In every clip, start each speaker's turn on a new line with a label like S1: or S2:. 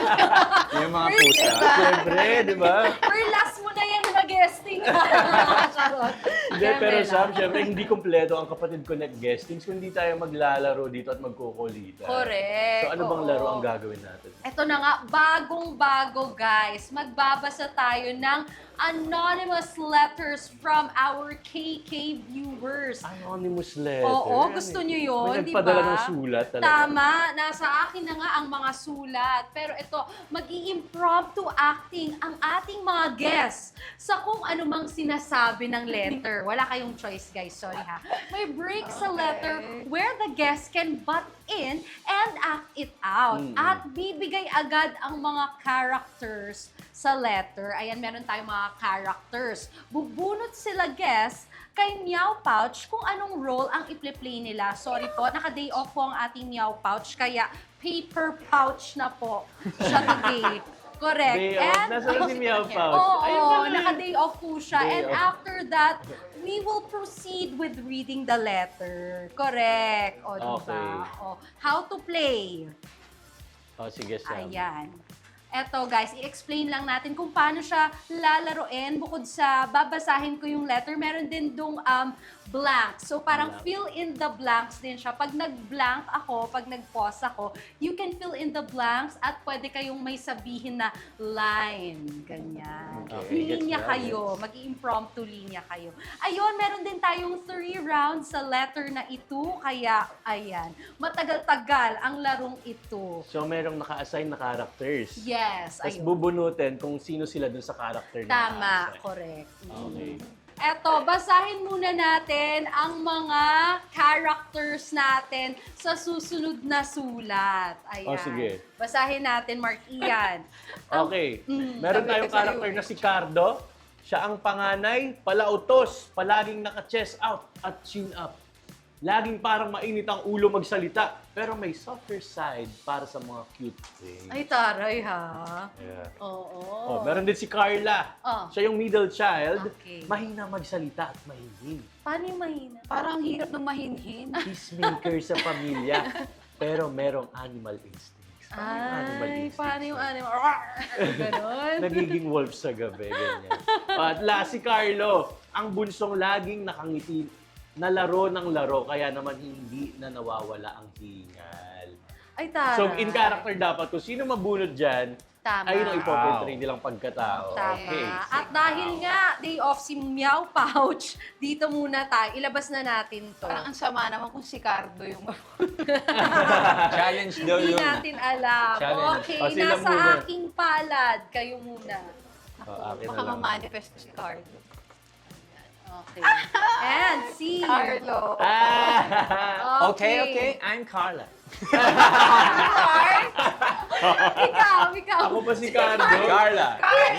S1: Yung mga pusa.
S2: Siyempre, di ba?
S3: For last mo na yan na guesting. Charot.
S2: Hindi, pero
S3: Kaya
S2: Sam,
S3: lang.
S2: siyempre hindi kompleto ang Kapatid Connect guestings kung hindi tayo maglalaro dito at magkukulitan.
S3: Correct.
S2: So ano bang
S3: Oo.
S2: laro ang gagawin natin?
S3: Ito na nga, bagong-bago guys. Magbabasa tayo ng anonymous letters from our KK viewers.
S2: Anonymous letter.
S3: Oo, gusto nyo yun,
S2: May
S3: di ba?
S2: nagpadala ng sulat talaga.
S3: Tama, nasa akin na nga ang mga sulat. Pero ito, mag-i-impromptu acting ang ating mga guests sa kung ano mang sinasabi ng letter. Wala kayong choice guys, sorry ha. May break sa letter where the guest can butt in and act it out. At bibigay agad ang mga characters sa letter. Ayan, meron tayong mga characters. Bubunot sila guests kay Meow Pouch kung anong role ang i-play nila. Sorry po, naka-day off po ang ating Meow Pouch, kaya paper pouch na po siya today. Correct.
S2: Day off. Nasaan si Meow Pouch?
S3: Oo,
S2: Ayun pala.
S3: naka-day off po siya.
S2: Day
S3: And
S2: off.
S3: after that, we will proceed with reading the letter. Correct. O, diba?
S2: Okay.
S3: O, how to play.
S2: Oh, sige, Sam.
S3: Ayan. Eto guys, i-explain lang natin kung paano siya lalaroin. Bukod sa babasahin ko yung letter, meron din dong blank. So parang
S2: Blank.
S3: fill in the blanks din siya. Pag nag-blank ako, pag nag-pause ako, you can fill in the blanks at pwede kayong may sabihin na line. Ganyan.
S2: Okay,
S3: Linya
S2: gets
S3: kayo. Mag-impromptu linya kayo. Ayun, meron din tayong 3 rounds sa letter na ito. Kaya, ayan. Matagal-tagal ang larong ito.
S2: So merong naka-assign na characters.
S3: Yes,
S2: Tapos
S3: ayun.
S2: bubunutin kung sino sila dun sa character na
S3: Tama,
S2: naka-assign.
S3: correct.
S2: Okay.
S3: Eto, basahin muna natin ang mga characters natin sa susunod na sulat. Ayan.
S2: Oh, sige.
S3: Basahin natin, Mark Ian.
S2: Okay. Meron
S1: sabi
S2: tayong
S1: ko sa'yo
S2: character
S1: eh.
S2: na si Cardo. Siya ang panganay, palautos, palaging naka-chest out at chin up. Laging parang mainit ang ulo magsalita, pero may softer side para sa mga cute things.
S3: Ay, taray ha.
S2: Yeah.
S3: Oo.
S2: Oh, meron din si Carla.
S3: Oh.
S2: Siya yung middle child.
S3: Okay.
S2: Mahina magsalita at mahilig.
S3: Paano yung mahina?
S1: Parang hirap ng mahinhin.
S2: Peacemaker sa pamilya, pero merong animal instincts. Paano yung animal
S3: Ay,
S2: instincts?
S3: paano yung animal? Ganon.
S2: Nagiging wolf sa gabi, ganyan. At last, si Carlo, ang bunsong laging nakangiti na laro ng laro, kaya naman hindi na nawawala ang hingal.
S3: Ay, taray.
S2: So, in character dapat, kung sino mabunod dyan,
S3: Tama.
S2: ayun ang ipoportray nilang pagkatao.
S3: Tama.
S2: Okay.
S3: At dahil nga, day off si Meow Pouch, dito muna tayo. Ilabas na natin to.
S1: Parang ang sama naman kung si Cardo yung...
S4: Challenge daw
S3: Hindi
S4: yun.
S3: natin alam.
S4: Challenge.
S3: Okay,
S2: O, sila
S3: nasa
S2: muna.
S3: aking palad. Kayo muna.
S2: Akin na
S1: Baka
S2: lang.
S1: ma-manifest si Cardo.
S3: Okay. And si...
S1: Carlo.
S2: Ah!
S4: Okay. I'm Carla.
S3: Ikaw.
S2: Ako pa si Cardo.
S4: Carla.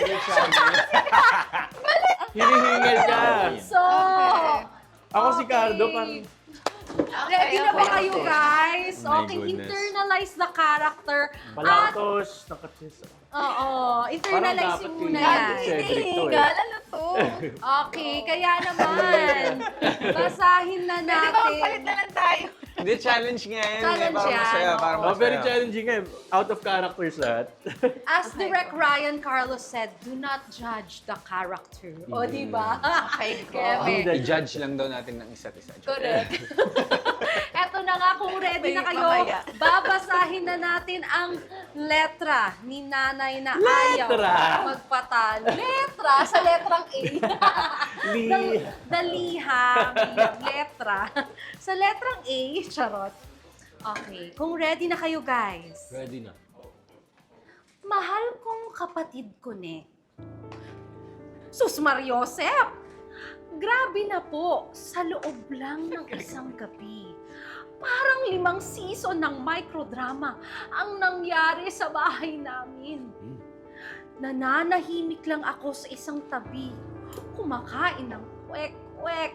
S2: Hinihingal ka.
S3: So,
S2: Ako si
S3: okay.
S2: Cardo, parang...
S3: Ready na ba
S1: okay,
S3: kayo,
S1: okay.
S3: guys?
S4: My
S3: Okay,
S4: goodness.
S3: internalize the character. At,
S2: Palautos, naka-chest out.
S3: oo,
S2: Parang
S3: internalize
S2: dapat
S3: yung muna
S2: yung-
S3: yan.
S2: Cedric to eh.
S1: Ano to?
S3: Okay, kaya naman, basahin na
S1: Pwede ba magpalit
S3: natin.
S1: na lang tayo?
S4: Hindi, challenge nga yan.
S3: Challenge
S4: Parang
S3: yan,
S4: masaya,
S3: oo.
S4: parang
S2: Oh, very
S4: masaya.
S2: challenging eh. Out of characters lahat.
S3: As Direct Ryan Carlos said, do not judge the character. O, di ba?
S1: Okay, go.
S3: Kaya may-
S4: I-judge lang daw natin ng isa't isa.
S3: Correct. Eto na nga, kung ready na
S1: Wait,
S3: kayo,
S1: mamaya.
S3: babasahin na natin ang letra ni nanay na
S2: Letra?
S3: ayaw magpatalo. Letra sa letrang A.
S2: Li-
S3: Dalihang letra. Sa letrang A, charot. Okay, kung ready na kayo guys.
S2: Ready na.
S3: Mahal kong kapatid ko, ne. Sus Mariosep! Grabe na po, sa loob lang ng isang gabi. Parang 5 season ng microdrama ang nangyari sa bahay namin. Nananahimik lang ako sa isang tabi, kumakain ng kwek-kwek.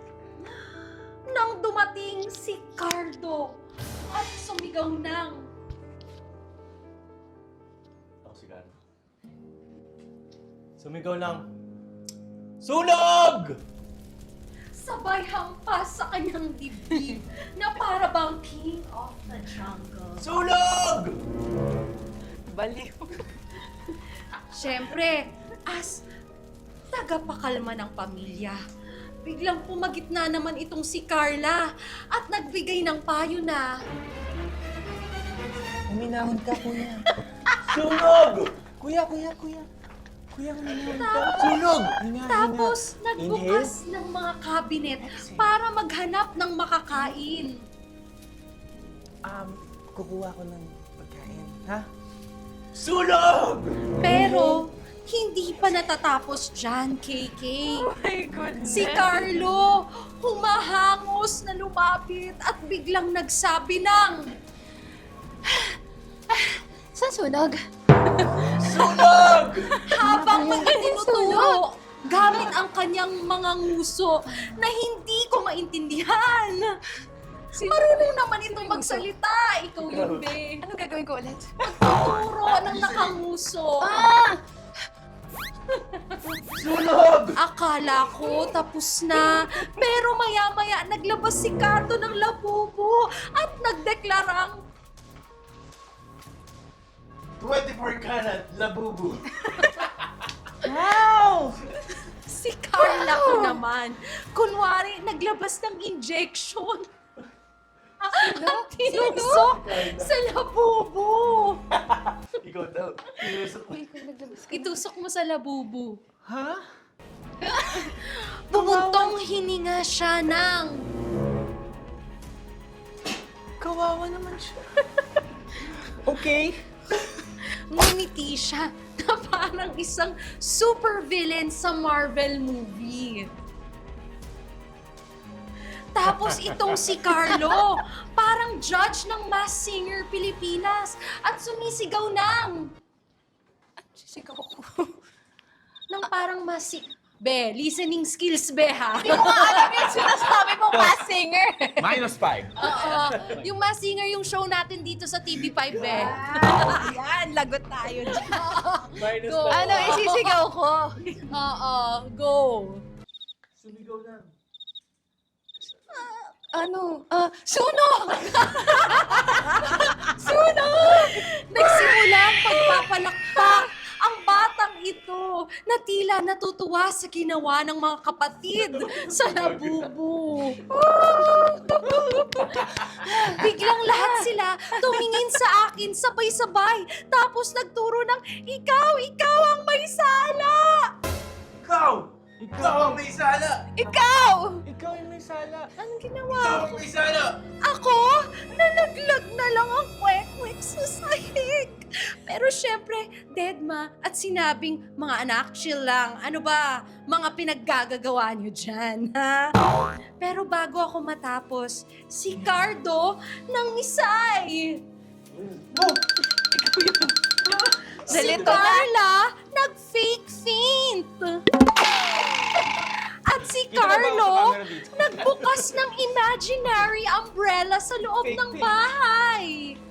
S3: Nang dumating si Cardo at sumigaw ng
S2: Ako si Cardo. Sumigaw lang. Sunog!
S3: sabay hampas sa kanyang dibdib na para bang king of the jungle.
S2: Sunog!
S1: Baliw.
S3: Siyempre, as tagapakalma ng pamilya, biglang pumagitna naman itong si Carla at nagbigay ng payo na,
S4: Uminahon ka, kuya.
S2: Sunog!
S4: Kuya. Kuya, uminahon ka. Sunog!
S3: tapos nagbukas ng mga cabinet para maghanap ng makakain.
S4: Kukuha ko ng pagkain, ha?
S2: Sunog!
S3: Pero, hindi pa natatapos dyan, KK.
S1: Oh my goodness.
S3: Si Carlo, humahangos na lumapit at biglang nagsabi ng,
S1: Sa sunog?
S2: Sunog!
S3: habang tinuturo gamit ang kanyang mga nguso na hindi ko maintindihan. Marunong naman itong magsalita. Ikaw yun, be.
S1: Anong gagawin ko ulit?
S3: Turo ng nakanguso.
S2: Sunog!
S3: Akala ko tapos na. Pero maya-maya naglabas si Kato ng labubo at nagdeklarang,
S2: 24 karat, labubu.
S3: si Carla ko naman. Kunwari, naglabas ng injection. At tinusok sa labubo.
S2: Ikaw daw. Tinusok mo.
S3: Itusok mo sa labubo.
S4: Ha?
S3: Bumuntong hininga siya ng...
S4: Kawawa naman siya. Okay.
S3: Ngumiti siya na parang isang super villain sa Marvel movie. Tapos itong si Carlo, parang judge ng Masked Singer Pilipinas at sumisigaw ng...
S1: Sisigaw ko.
S3: ng parang Be, listening skills, be, ha?
S1: Hindi ko nga alam yung sinasabi mong Masked Singer.
S4: -5.
S3: Oo. Yung Masked Singer, yung show natin dito sa TV5, be.
S1: Yan, lagot tayo dyan.
S2: Minus
S3: Go.
S2: na.
S1: Ano, isisigaw ko?
S3: Oo, go.
S2: Sumigaw lang.
S1: Sunog!
S3: Nagsimula ang pagpapalakpak ang batang ito na tila natutuwa sa ginawa ng mga kapatid sa labubo. Biglang lahat sila tumingin sa akin sabay-sabay tapos nagturo ng ikaw ang may sala!
S2: Ikaw! Ikaw ang may sala!
S1: Ikaw!
S4: Ikaw yung may sala.
S3: Anong
S2: Ikaw
S3: ginawa
S2: ang
S3: ko?
S2: may sala!
S3: Ako? Nalaglag na lang ang kwek-kwek sa sahig. Pero syempre, deadma at sinabing, mga anak, chill lang. Ano ba? Mga pinaggagagawa niyo dyan, ha? Pero bago ako matapos, si Cardo nangisay. Si
S1: Nalito na.
S3: Carla nag-fake faint. At si
S4: Dito ka ba ako sa
S3: Carlo
S4: camera dito?
S3: nagbukas ng imaginary umbrella sa loob
S4: Fake
S3: ng
S4: faint.
S3: bahay.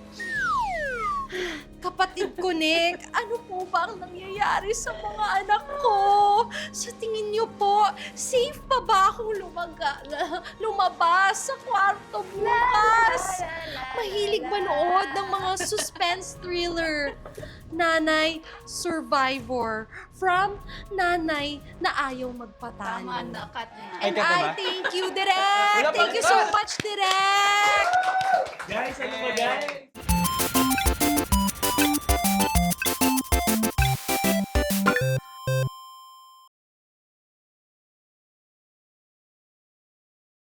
S3: Kapatid ko, Nick, ano po ba ang nangyayari sa mga anak ko? Sa tingin niyo po, safe pa ba akong lumabas sa kwarto bukas? Mahilig manood ng mga suspense thriller. Nanay Survivor from Nanay na ayaw magpatalo.
S1: Tama na, cut na.
S3: And
S4: Ay, cut na
S3: I
S4: ba?
S3: thank you, Direk!
S4: Wala pa,
S3: Thank you so
S4: cut!
S3: much, Direk!
S2: Guys, ano ba guys?